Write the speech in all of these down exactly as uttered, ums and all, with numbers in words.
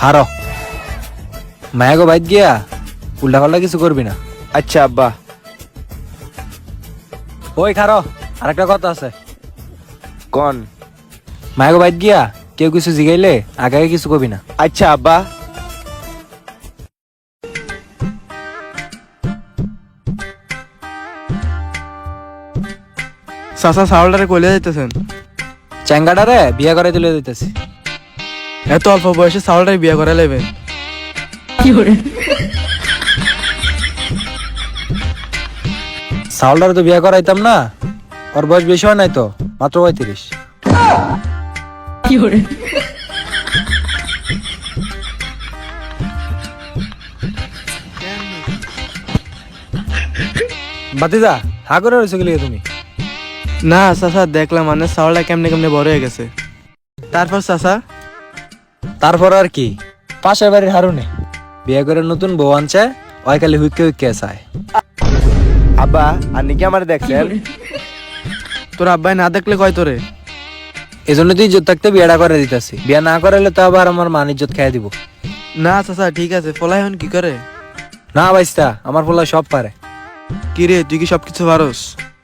খারো মায়াগো বাইত গিয়া উল্টা পাল্টা কিছু করবি না। আচ্ছা আব্বা। ওই খারো, আরেকটা কথা আছে। কোন? মায়াগো বাইত গিয়া কেউ কিছু জিগাইলে আগে আগে কিছু কবি না। আচ্ছা আব্বা। চাচা চাউলটারে কইলে যাইতেছেন? চ্যাঙ্গাটারে বিয়া করে তুলে দিতেছি। এত অল্প বয়সে চাউলটারে বিয়ে করে লেবেন? চাউলটারে তো বিয়া করাইতাম না, ওর বয়স বেশি হয় নাই তো, মাত্র পঁয়ত্রিশ। বাতিজা হা করে রয়েছে গেলে তুমি? না চাচা, দেখলাম মানে চাউলটা কেমনে কেমনে বড় হয়ে গেছে। তারপর চাচা? তারপর আর কি, পাশের বাড়ির হারুনে বিয়ে করে নতুন বউ আনছে, ওই খালি হুইকে হুইকে চায়। আব্বা আপনি কি আমার দেখছেন? তোর আব্বাই না দেখলে কয় তোরে? এই জন্য তুই ইজ্জত থাকতে বিয়েটা করে দিতেছি, বিয়ে না করাইলে তো আবার আমার মান ইজ্জত খেয়ে দিব। না চাচা ঠিক আছে, ফলাই হন কি করে? না বাইস্তা, আমার পোলা সব পারে। কি রে, তুই কি সবকিছু পারস?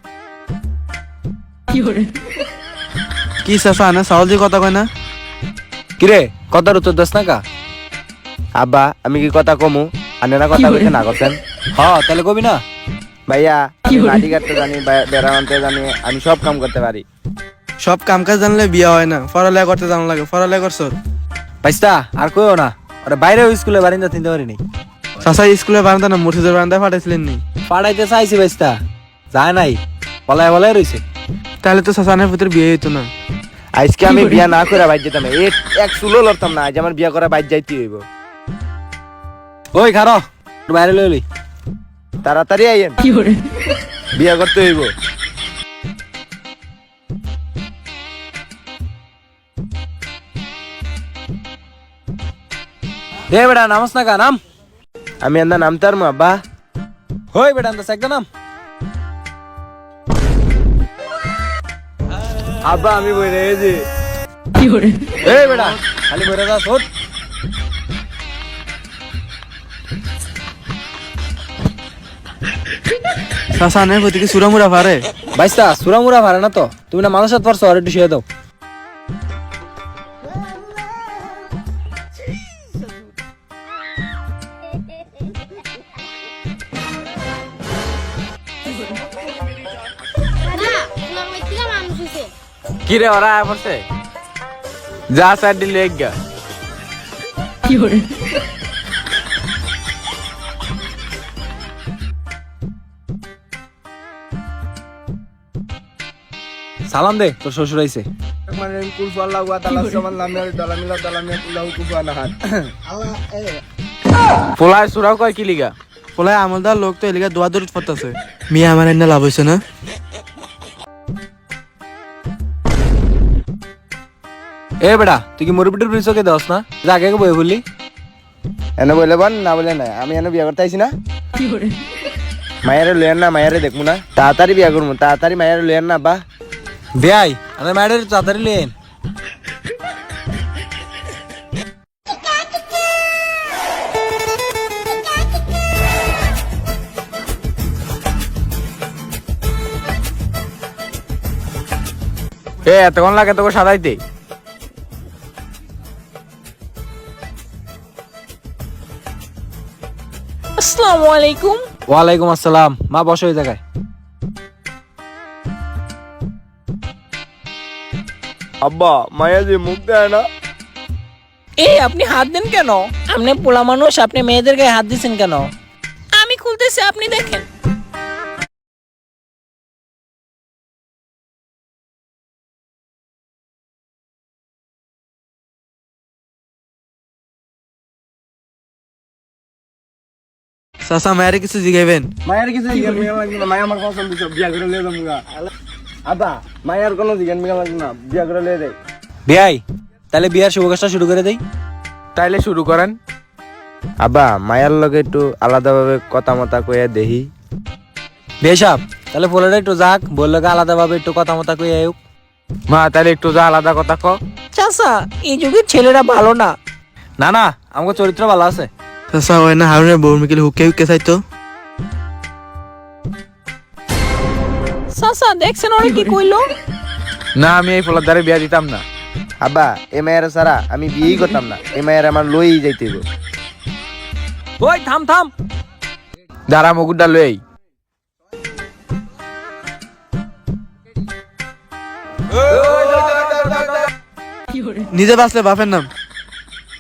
কি চাচা না চাউল দিয়ে কথা কয় না? কিরে কথার উত্তর দাস না কা? আব্বা আমি কি কথা কমু? আনেরা কথা কইতে না করতেন? হ তাহলে কবি না? ভাইয়া আমি মাটি কাটতে জানি, বে- বেড়া আনতে জানি, আমি সব কাম করতে পারি। সব কাম কাজ জানলে বিয়ে হয় না, পড়ালেখা করতে জানা লাগে। পড়ালেখা করছ? বাইস্তা আর কইও না, ওরা বাইরে স্কুলে বারিন্দা তিনতে পারিনি। চাচা স্কুলে বারান্দা না মুর্শিদের বারান্দায় পাঠাইছিলেন নি? পাড়াইতে চাইছি বাইস্তা, যায় নাই, পলায় পলায় রয়েছে। তাহলে তো চাচানের ভিতরে বিয়ে হইতো না। আজকে আমি বিয়া না করে বাইর যেতাম, এক এক চুলো লড়তাম না, আজ আমার বিয়া করা বাইর যাইতে হইব। ওই খারো, একটু বাইরে লইলি। তাড়াতাড়ি আইয়েন, বিয়া করতে হইব। দে বেটা নামস না কা, নাম। আমি আন্দা নামতার মা আব্বা। হই বেটা আন্দাজ একটা নাম। আব্বা আমি বই রেখেছি। এই বেটা খালি বইরা যাস, ওঠ। চাচানের প্রতি কি সুরামুরা পারে? বাইস্তা সুরামুরা পারে না তো, তুমি না মানুষের পারছো, আর একটু শুয়ে দাও। কি রে ওরা আয় পড়ছে? যা স্যার দিলে এক গা। সালাম দে, তোর শ্বশুর আইছে। পোলায় সুরাও কয় কি লিগা? বলে আমলদার লোক তো এলিগা দোয়া দূর পড়তেছে। মিয়া আমার এনে লাভ হয়েছে না? এ বেটা তুই কি মুরবিটির পরিচয় দেওয়াস না, যা আগে আগে বই বললি। এনে বলে বল না বলে না, আমি এনে বিয়া করতে আইছি না। মায়ের লইয়ার না, মায়ের দেখবো না, তাড়াতাড়ি বিয়া করবো, তাড়াতাড়ি মায়ের লইয়ার না বা। বেয়াই আমাদের মায়ের তাড়াতাড়ি লেন। এ এতক্ষণ লাগে তোকে সাজাইতে? আসসালামু আলাইকুম। ওয়ালাইকুম আসসালাম। মা বসো এই জায়গায়। আব্বা মায়া যে মুখ দেয় না। এই আপনি হাত দেন কেন? আপনি পোলা মানুষ, আপনি মেয়েদের গায়ে হাত দিচ্ছেন কেন? আমি খুলতেছি, আপনি দেখেন। চাচা মায়ের কিছু জিগাইবেন? মায়ের কিছু জিজ্ঞান মিয়া লাগবে না, মায়া আমার পছন্দ সব, বিয়া করে লিয়ে যাবো গা। আব্বা মায়ের কোনো জিজ্ঞান মিয়া লাগবে না, বিয়া করে লিয়ে দেয়। বেয়াই তাহলে বিয়ার শুভ কাজটা শুরু করে দেই। তাইলে শুরু করেন। আব্বা মায়ের লগে একটু আলাদাভাবে কথা মতা কইয়া দেহি। বেশাব তাহলে পোলাটা একটু যাক, বললো আলাদা ভাবে একটু কথা মতা কই আয়ুক। মা তাহলে একটু যা আলাদা কথা ক। চাচা এই যুগের ছেলেরা ভালো না। না না আমাকে চরিত্র ভালো আছে। চাচা হয় না হারুনের বউ মিকিলে হুকে হুকে চাইতো। চাচা দেখছেন ওরা কি কইলো? না আমি এই ফলার দ্বারে বিয়া দিতাম না। আব্বা এ মায়ের সারা আমি বিয়েই করতাম না, এ মায়ের আমার লই যাইতে হইব। ওই থাম থাম, দাঁড়া মুকুটটা লই। নিজে বাঁচলে বাপের নাম।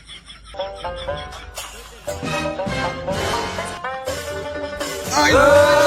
আয়